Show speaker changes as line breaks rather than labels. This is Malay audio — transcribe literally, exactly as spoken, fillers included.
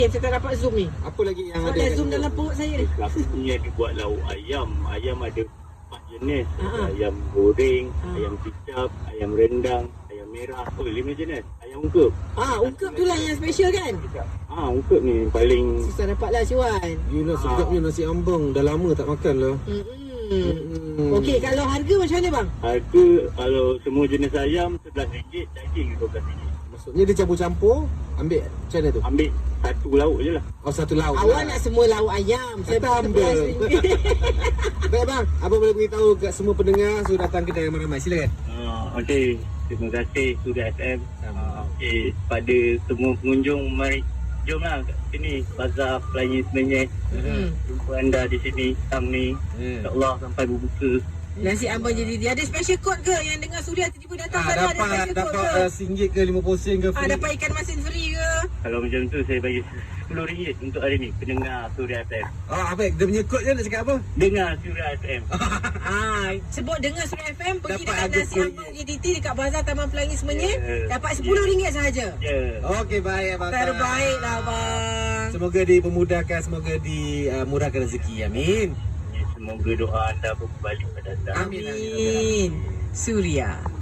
Saya tak dapat zoom ni.
Apa lagi yang
Sebab
ada?
dah zoom dalam perut saya ni.
Ni ada buat lauk ayam. Ayam ada empat jenis.
Ha.
Ada ayam goreng,
Ha.
ayam kicap, ayam rendang, ayam merah. Oh, lima jenis. Ayam ungkep.
Ah, ungkep tu lah yang special kan?
Ah, ungkep ni paling
Susah dapat lah Syuan.
Yelah, sedapnya nasi ambeng. Dah lama tak makan lah.
Hmm.
Hmm.
Okey, kalau harga macam mana bang?
harga kalau semua jenis ayam sebelas ringgit, daging dua belas ringgit.
Maksudnya dia campur-campur, ambil macam mana tu?
Ambil satu lauk je lah.
Oh, satu lauk
Awak
lah.
nak semua lauk ayam. Saya
Kata ambel. Baik bang, abang boleh beritahu kat semua pendengar suruh datang kedai ramai-ramai. Silakan.
Uh, Okey, terima kasih Suria F M. Uh, Okey, pada semua pengunjung, mari jomlah kat sini Bazar Pelangi Semenyih.
Hmm.
Jumpa anda di sini petang ni.
Hmm.
InsyaAllah sampai berbuka.
Nasi ambeng jadi dia. Ada special code ke yang dengar Suria tiba-tiba datang
Ah,
sana ada
dapat
special code
dapat
ke?
uh, singgit ke lima puluh sen ke
Ah,
free?
dapat ikan masin free ke?
Kalau macam tu saya bagi sepuluh ringgit untuk hari ni pendengar Suria F M.
Oh, apa? Dia punya kod je nak cakap apa?
Dengar Suria F M.
Ah, sebut dengar Suria F M pergi
Dapat
dekat
harga
nasi
sepuluh
ambeng J T T dekat Bazar Taman Pelangi Semenyih,
Yeah.
dapat sepuluh ringgit sahaja.
Ya.
Okey, baik abang.
Terbaiklah bang.
Semoga dipermudahkan, semoga dimurahkan rezeki. Amin.
Semoga doa anda berbalik pada anda.
Amin, amin, amin,
Amin. Suria.